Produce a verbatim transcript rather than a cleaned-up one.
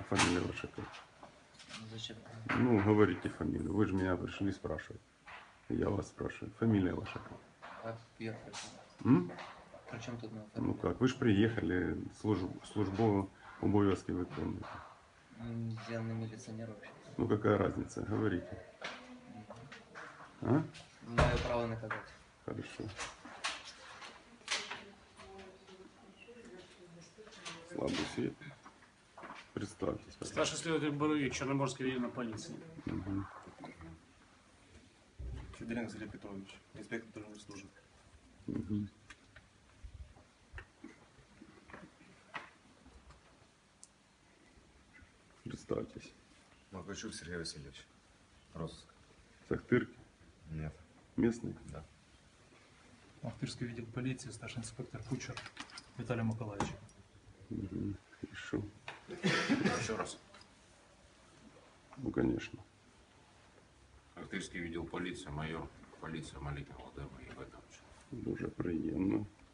фамилия ваша как? Зачем? Ну, говорите фамилию. Вы же меня пришли спрашивать. Я вас спрашиваю. Фамилия ваша как? А я при чем? М? При чем тут моя Ну фамилия? как, вы же приехали, службу, службу обов'язки виконуєте. М, Я не милиционер вообще. Ну какая разница, говорите. А? Мое право наказать. Хорошо. Слабый свет. Представьтесь. пожалуйста. Старший следователь Боровик, Черноморский район полиции. Мгм. Федоренко Сергей Петрович, инспектор дорожной службы. Мгм. Представьтесь. Макачук Сергей Васильевич. Розыск. Сахтырки? Нет. Местный? Да. Ахтырский видел полиции, старший инспектор Кучер Виталий Маколаевич. Мгм. Хорошо. Еще раз. Ну, конечно. Ахтырский видел полиция, майор полиции Маликин Владимир Егорович. Дуже приємно.